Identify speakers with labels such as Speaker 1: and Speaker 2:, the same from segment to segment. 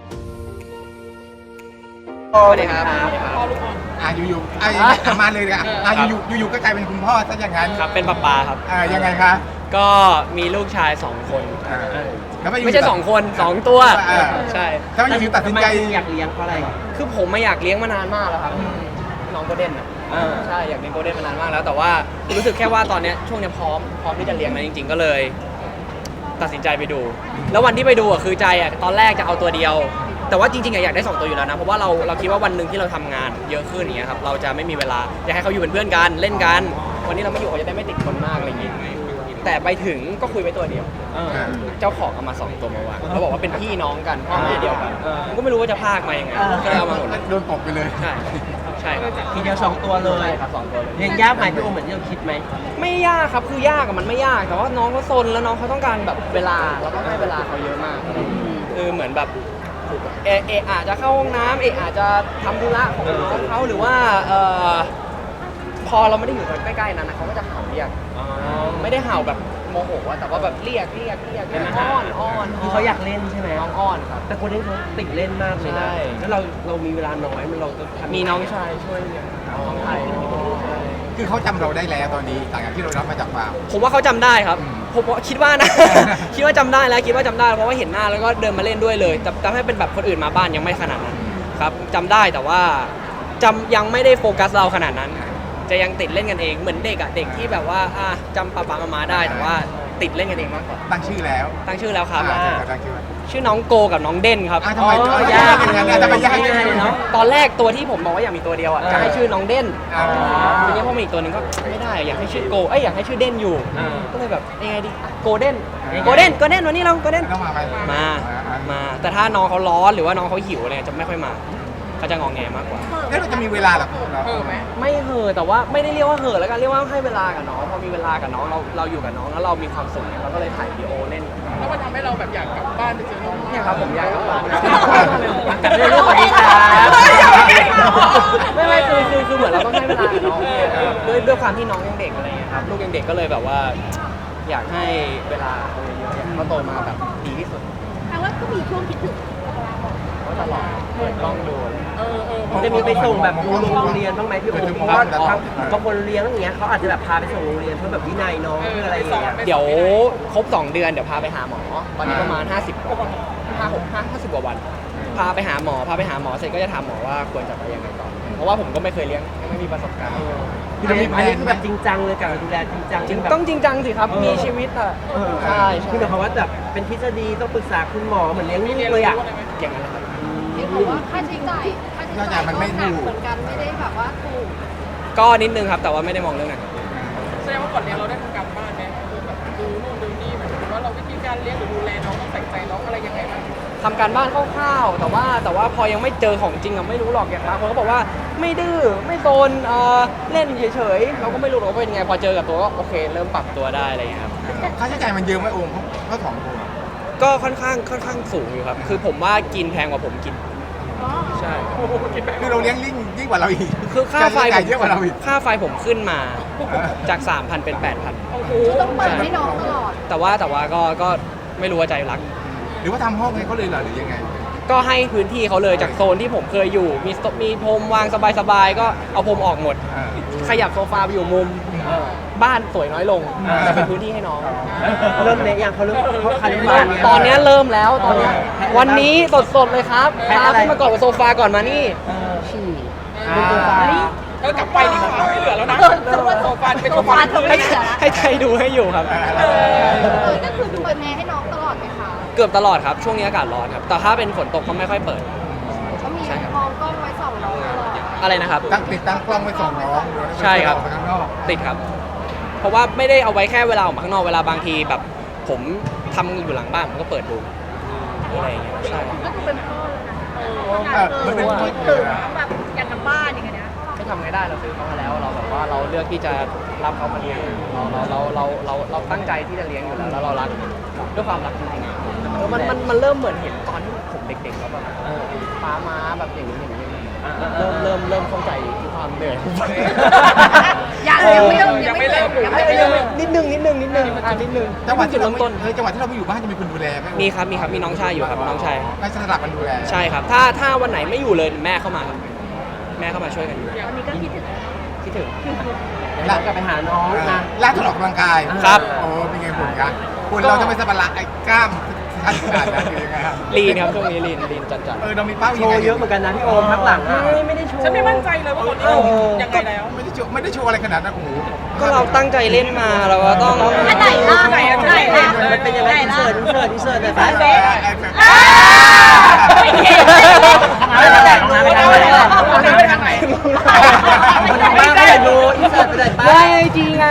Speaker 1: สวัสดีครับ
Speaker 2: อยู่มาเลยอ่ะอยู่ก็กลายเป็นคุณพ่อซะอย่างนั้น
Speaker 1: ครับเป็นป๊าครับ
Speaker 2: ยังไงคะ
Speaker 1: ก็มีลูกชาย2 คน
Speaker 2: แล้ว
Speaker 1: ไม่ใช่2 คน2 ตัวใช่
Speaker 2: ถ้าไม่อยู่ตัดสินใจ
Speaker 3: อยากเลี้ยงเพราะอะไร
Speaker 1: คือผมไม่อยากเลี้ยงมานานมากแล้วครับน้องโกลเด้นใช่อยากเลี้ยงโกลเด้นมานานมากแล้วแต่ว่ารู้สึกแค่ว่าตอนนี้ช่วงนี้พร้อมที่จะเลี้ยงนะจริงๆก็เลยตัดสินใจไปดูแล้ววันที่ไปดูคือใจตอนแรกจะเอาตัวเดียวแต่ว่าจริงๆอยากได้2 ตัวอยู่แล้วนะเพราะว่าเราคิดว่าวันหนึ่งที่เราทำงานเยอะขึ้นอย่างเงี้ยครับเราจะไม่มีเวลาอยากให้เขาอยู่เป็นเพื่อนกันเล่นกันวันนี้เราไม่อยู่เขาจะได้ไม่ติดคนมากอะไรอย่างงี้แต่ไปถึงก็คุยไว้ตัวเดียวเจ้าของเอามา2 ตัวมาวางเขาบอกว่าเป็นพี่น้องกันพ่อแม่เดียวกันผมก็ไม่รู้ว่าจะพากมายังไงก็เลยเอามาหมดเลย
Speaker 2: โดนตบไปเลย
Speaker 1: ใช่ครับ
Speaker 3: ทีเดียว2 ตัวเลย
Speaker 1: ครับ2 ตัวเลย
Speaker 3: เลี้ยงยากไหมพี่โอเหมือนที่เราคิดไหม
Speaker 1: ไม่ยากครับคือยากมันไม่ยากแต่ว่าน้องเขาซนแล้วน้องเขาต้องการแบบเวลาเราต้องให้เวลาเขาเยอะมากคือเหมือนแบบอาจจะเข้าห้องน้ำอาจจะทำธุระของเขาหรือว่าพอเราไม่ได้อยู่ใกล้ๆนั้นนะเขาก็จะเห่าเรียกไม่ได้เห่าแบบโมโหแต่ว่าแบบเรียกอ้อน
Speaker 3: คือเขาอยากเล่นใช่ไหม
Speaker 1: น้องอ้อนครับ
Speaker 3: แต่คนเล่นเขาติดเล่นมากเลยนะแล้วเรามีเวลาน้อยมันเราจะ
Speaker 1: มีน้องชายช่วยเลี้ยงน้องไทย
Speaker 2: คือเขาจำเราได้แล้วตอนนี้ต่างจากที่เรารับมาจากฟาร์ม
Speaker 1: ผมว่าเขาจำได้ครับผมคิดว่านะ คิดว่าจำได้แล้วเพราะว่าเห็นหน้าแล้วก็เดินมาเล่นด้วยเลยแต่ถ้าเป็นแบบคนอื่นมาบ้านยังไม่ขนาดนั้นครับจำได้แต่ว่ายังไม่ได้โฟกัสเราขนาดนั้นจะยังติดเล่นกันเองเหมือนเด็กที่แบบว่าจำป๊ามาได้แต่ว่าติดเล่นกันเองมากกว่า
Speaker 2: ตั้งชื่อแล้ว
Speaker 1: ครับ
Speaker 2: ตั้ง
Speaker 1: ชื่อน้องโกกับน้องเด่นครับ
Speaker 2: ทำไมยากอย่างนั้นทำไมยากอย่างนั้น
Speaker 1: เนาะตอนแรกตัวที่ผมบอกว่าอยากมีตัวเดียวจะให้ชื่อน้องเด่นทีนี้พอมีอีกตัวนึงก็ไม่ได้อยากให้ชื่อโกอยากให้ชื่อเด่นอยู่ก็เลยแบบยังไงดีโกเด่นวันนี้เราโกเด่นมาแต่ถ้าน้องเขาร้อนหรือว่าน้องเขาหิวอะไรจะไม่ค่อยมาเขาจะงองแงมากกว่า
Speaker 2: แล้วเราจะมีเวลาหรอ
Speaker 1: ไม่แต่ว่าไม่ได้เรียกว่าแล้วกันเรียกว่าให้เวลากับน้องพอมีเวลากับน้องเราอยู่กับน้องแล้วเรามีความสุขเราก็เลยถ่ายวิดีโอเล่น
Speaker 4: แล้วมันทำให้เราแบบอยากกลับบ้านไปเจอน้อง
Speaker 1: เนี่ยครับผมอยากกลับบ้าน
Speaker 3: กับเรื่องสวัสดีครับ
Speaker 1: ไม่คือเหมือนเราต้องให้เวลากับน้องด้วยความที่น้องยังเด็กอะไรเงี้ยครับลูกยังเด็กก็เลยแบบว่าอยากให้เวลาเขาเยอะๆเขาโตมาแบบดีที่สุด
Speaker 4: แปลว่าก็มีช่วงคิดถึง
Speaker 1: ตลอดเปิดกล้องดู
Speaker 3: จะมีไปส่งแบบโรงเรียนบ้างไหมพี่โอเพราะว่าบางคนเลี้ยงอย่างเงี้ยเขาอาจจะแบบพาไปส่งโรงเรียนเพื่อแบบวินัยน้องเพื่ออะไรอย่างเงี้ย
Speaker 1: เดี๋ยวครบ2 เดือนเดี๋ยวพาไปหาหมอตอนนี้ประมาณ50 กว่าวันพาไปหาหมอเสร็จก็จะถามหมอว่าควรจะไปยังไงต่อเพราะว่าผมก็ไม่เคยเลี้ยงไม่มีประสบการณ์
Speaker 3: อันนี้คือแบบจริงจังเลยกับดูแลจริงจัง
Speaker 1: ต้องจริงจังสิครับมีชีวิตใช่
Speaker 3: คือหมายความว่าแบบเป็นทฤษฎีต้องปรึกษาคุณหมอเหมือนเลี้ยงลูกเลย
Speaker 1: อย่างนั้นครับ
Speaker 4: เห็นบอกว่าค่าใช้จ่าย
Speaker 2: มันไม่ถูก
Speaker 4: เหมือนกันไม่ได้แบบว่าถูก
Speaker 1: ก็นิดนึงครับแต่ว่าไม่ได้มองเรื่องนั้น
Speaker 4: แสดงว่าก่อนเลี้ยงเราได้ทำการบ้านไหมคือแบบดูนู่นดูนี่หมายถึงว่าเราวิธีการเลี้ยงหรือดูแลน้องต้องใส่ใจน้องอะไรยังไงบ้าง
Speaker 1: ทำการบ้านคร่าวๆแต่ว่าพอยังไม่เจอของจริงไม่รู้หรอกอย่างบางคนก็บอกว่าไม่ดื้อไม่โซนเล่นเฉยๆเราก็ไม่รู้หรอกว่าเป็นไงพอเจอกับตัวก็โอเคเริ่มปรับตัวได้อะไรอย่างเงี้ยครับ
Speaker 2: ค่าใช้จ่ายมันเยอะไหมโอมเขา2 ตัว
Speaker 1: ก็ค่อนข้างสูงอยู่ครับคือผมว่ากินแพงกว่าผมกินใช่
Speaker 2: คือเราเลี้ยงยิ่งกว่าเราอีก
Speaker 1: คือค่าไฟ
Speaker 2: เยอะกว่าเราอีก
Speaker 1: ค่าไฟผมขึ้นมาจาก 3,000 เป็น 8,000
Speaker 4: โอ้โหต้องเปิดให้น้องตลอด
Speaker 1: แต่ว่าก็ไม่รู้ว่าใจรัก
Speaker 2: หรือว่าทำห้องให้เขาเลยเหรอหรือยังไง
Speaker 1: ก็ให้พื้นที่เขาเลยจากโซนที่ผมเคยอยู่มีพรมวางสบายๆก็เอาพรมออกหมดขยับโซฟาไปอยู่มุมบ้านสวยน้อยลงแต่เป็นพื้นที่ให้น้อง
Speaker 3: เริ่มเนี่ยอย่างเขาเริ่ม
Speaker 1: ตอนนี้เริ่มแล้วตอนนี้วันนี้สดเลยครับพาขึ้นมาก่อนโซฟาก่อนมานี่ฉี่
Speaker 4: กลับไปดีกว่าไม่เหลือแล้วนะโซฟาเป็นโซฟา
Speaker 1: ให้ใครดูให้อยู่ครับ
Speaker 4: ก็คือเปิดแอร์ให้น้องตลอดไหมคะ
Speaker 1: เกือบตลอดครับช่วงนี้อากาศร้อนครับแต่ถ้าเป็นฝนตกก็ไม่ค่อยเปิด
Speaker 4: ก็มีมองกล้องไว้ส่องน้องตลอด
Speaker 1: อะไรนะครับ
Speaker 2: ติดตั้งกล้องไว้ส่องน้อง
Speaker 1: ใช่ครับติดครับเพราะว่าไม่ได้เอาไว้แค่เวลาออกมาข้างนอกเวลาบางทีแบบผมทำอยู่หลังบ้านผมก็เปิดดูอะไรอย่างเงี้ยใช่
Speaker 4: ก็คือเป็นพ่อเลยนะ
Speaker 2: มันเป็น
Speaker 4: คิดถึงแบบอยากกลับบ้านอย่างเงี้ย
Speaker 1: ไม่ทำไงได้เราซื้อเขามาแล้วเราแบบว่าเราเลือกที่จะรับเขามาเลี้ยงเราตั้งใจที่จะเลี้ยงอยู่แล้วเรารักด้วยความรักจริงๆมันเริ่มเหมือนเห็นตอนที่ผมเด็กๆแล้วแบบป้าม้าแบบอย่างนี้เริ่มเข้าใจความเหนื่อย
Speaker 4: ยังไม่เริ่ม
Speaker 1: นิดนึงนิดนึง
Speaker 2: จังหวะที่
Speaker 1: จุด
Speaker 2: เรา
Speaker 1: เริ่มต้น
Speaker 2: จังหวะที่เราไม่อยู่บ้านจะมีคนดูแลไหม
Speaker 1: มีครับมีน้องชายอยู่ครับน้องชาย
Speaker 2: ไม่สลับกันดูแล
Speaker 1: ใช่ครับถ้าวันไหนไม่อยู่เลยแม่เข้ามาครับแม่เข้ามาช่วยกันอยู่
Speaker 5: วันนี้ก็คิดถึง
Speaker 1: คิดถึง
Speaker 3: เดี๋ยวเรากลับไปหาน้องนะ
Speaker 2: ล่าสุดออกกำลังกาย
Speaker 1: ครับ
Speaker 2: โอ้เป็นไงหุ่นกันหุ่นเราจะไม่สะบัดละไอ้กล้ามขั้นขนาดนั้นคือยังไงครับ
Speaker 1: ลีนครับช่วงนี้ลีนจัด
Speaker 2: เรามีเป้า
Speaker 3: โชว์เยอะเหมือนกันนะพี่โอมพักหลังอะไม่ได้โชว์
Speaker 4: ฉันไม่มั่นใจเลยว่าคนนี้ยังไงแล้ว
Speaker 2: ไม่ได้โชว์อะไรขนาดนั้นโอ้โห
Speaker 1: ก็เราตั้งใจเล่นมาเราก็ต้อง
Speaker 5: อันไหนล่ะ
Speaker 4: ไหนอะ
Speaker 5: อันไหนล่ะ
Speaker 3: มันเป็นยังไงอินเสิร์ตหน่อยไป
Speaker 2: ไม่ได้
Speaker 4: ไปทางไหน
Speaker 3: คนทางบ้านก็อยากดูอินเสิร์ตไปเลยป้า
Speaker 1: ได้ไอจีไง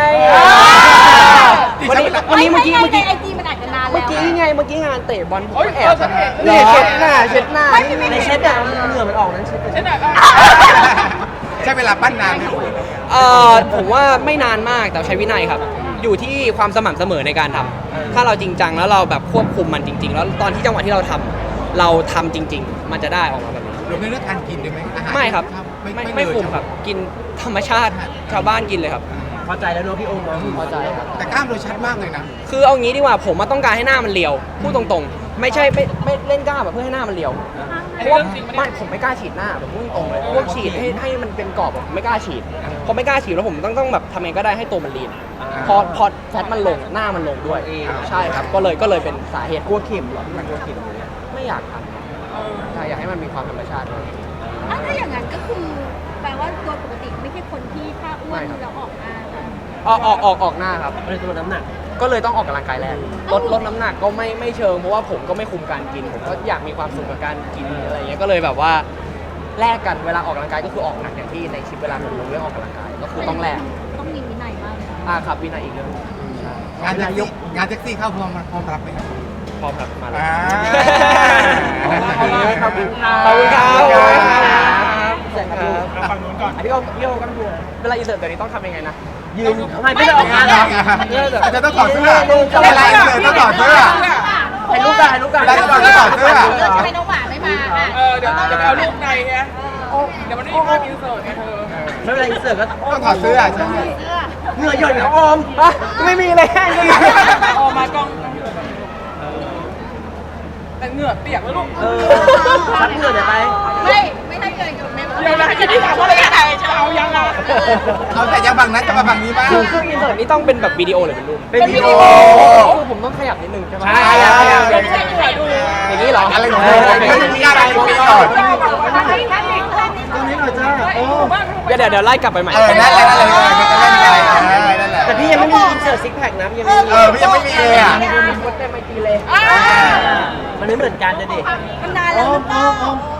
Speaker 1: วันนี้เมื่อกี้
Speaker 5: ในไอจีมันอาจจะนานแล้ว
Speaker 1: เมื่อกี้งานเตะบอลผม
Speaker 4: โอ๊ย
Speaker 1: แอบ
Speaker 4: ฉันเห็น
Speaker 1: นี่เช็ดหน้า
Speaker 3: ในเช็ดอะเหงื่อมันออกนั้นเช็ด
Speaker 4: ฉันอะ
Speaker 2: ใช้เวลาปั้นนานไหม
Speaker 1: ผมว่าไม่นานมากแต่ใช้วินัยครับ อยู่ที่ความสม่ำเสมอในการทำถ้าเราจริงจังแล้วเราแบบควบคุมมันจริง ๆ แล้วตอนที่จังหวะที่เราทำจริง ๆ มันจะได้ออกมาแบบนี้
Speaker 2: รวมในเรื่องการกินด้วยไหมอาหาร
Speaker 1: ไม่ครับ ไม่
Speaker 2: เลย
Speaker 1: คุมครับ กินธรรมชาติชาวบ้านกินเลยครับ
Speaker 3: พอใจแล้วเนอะพี่โอมเนาะ
Speaker 1: พอใจครับ
Speaker 2: แต่กล้ามเราชัดมากเลยนะ
Speaker 1: คือเอางี้ดีกว่าผมมาต้องการให้หน้ามันเรียวพูดตรงๆ ไม่ใช่ไม่เล่นกล้ามแบบเพื่อให้หน้ามันเรียวเพราะว่าไม่ผมไม่กล้าฉีดหน้าแบบพูดตรงๆเลยพวกฉีดให้มันเป็นกรอบผมไม่กล้าฉีดพอไม่กล้าฉีดแล้วผมต้องแบบทำเองก็ได้ให้ตัวมันลีนพอแฟตมันลงหน้ามันลงด้วยใช่ครับก็เลยเป็นสาเหตุ
Speaker 3: กลัวเข็มเหรอพี่มันกลัวเข็มอย่างเงี้ย
Speaker 1: ไม่อยากทำใช่อยากให้มันมีความธรรมชาติด้วย
Speaker 5: ถ้าอย่างนั้นก็คือแปลว่าโดยปกติไม่ใช่คนที่ถ้าอ้วนแล้วออกมา
Speaker 1: ออกหน้าครับ
Speaker 3: เลยตัวน้ำหนัก
Speaker 1: ก็เลยต้องออกกำลังกายแรกลดน้ำหนักก็ไม่เชิงเพราะว่าผมก็ไม่คุมการกินผมก็อยากมีความสุขกับการกินอะไรอย่างเงี้ยก็เลยแบบว่าแลกกันเวลาออกกำลังกายก็คือออกหนักอย่างที่ในคลิปเวลาผมลงเรื่องออกกำลังกายก็คือต้องแลก
Speaker 5: ต้องมีวินัยมากเลย
Speaker 1: ครับวินัยอีกเรื่อง
Speaker 2: งานแท็กซี่เข้าพร้อมรับไหมครับ
Speaker 1: พร้อมครับมาเลย
Speaker 3: ขอบคุณค่ะ
Speaker 1: ขอบคุณครับ
Speaker 3: เสร็จครับ
Speaker 2: ฝั่งนู้นก่อน
Speaker 3: พี่โอก็ดู
Speaker 1: เวลาอินเสิร์ตตัวนี้ต้องทำยังไงนะ
Speaker 3: ยืนทำไมไม่ได้ออกงานเหรอ
Speaker 2: อาจจะต้องถอดเสื้อเวลาเลยต้องถอดเสื้อ
Speaker 3: ถ่ายรูปกันถ่ายรูปกัน
Speaker 2: ได้ก่อนถอดเสื้อ
Speaker 5: ทำไมน้องหวานไม่มาอ่ะ
Speaker 4: เดี๋ยวต้องเอารูปในไงเดี๋ยวมันไม่มีภาพอินเสิร์ตไงเธอ
Speaker 3: ไม่เป็นไรอินเสิร์ตก็
Speaker 2: ต้องถอดเสื้อใช่
Speaker 3: เหงื่อหย่อนของโอม
Speaker 1: ไม่มีเลยแค่นี้
Speaker 4: ออกมากล้องแต่เหงื่อเปียกแล้วลูก
Speaker 3: ซับเหงื่อเดี๋ยวไป
Speaker 5: ไม่ใช่เกินกับแม่
Speaker 4: เดี๋ยวนะที่ถามว่าอะไรจะเอายังอ่ะ
Speaker 2: เอาแต่ยังฝั่งนั้นจะมาฝั่งนี้บ้าง
Speaker 1: คืออินเสิร์ตนี้ต้องเป็นแบบวิดีโอหรือเป็นรูป
Speaker 3: เป็นวิดีโอ
Speaker 1: คือผมต้องขยับนิดนึงใช่ไหม
Speaker 3: ใช่
Speaker 4: ไม่ใช่เหงื่อดู
Speaker 1: อย่างนี้เหรอ
Speaker 2: อะไรของเธอมีอะไรมีก่อน
Speaker 3: ตรงนี้หน่อยจ้าโอ้
Speaker 1: เดี๋ยวไล่กลับไปใหม่
Speaker 2: นั่นแหละมันจะเล่นไปนั่นแหละ
Speaker 3: แต่พี่ยังไม่มีอินเสิร์ตซิกแพคนะพี่ยังไม่มี
Speaker 2: พี่ยังไม่มีเลยอ่ะ
Speaker 1: เต็มไอจีเลย
Speaker 3: มันไม่เหมือนกันนะดิ
Speaker 5: มันนานแล้วหรือเปล่า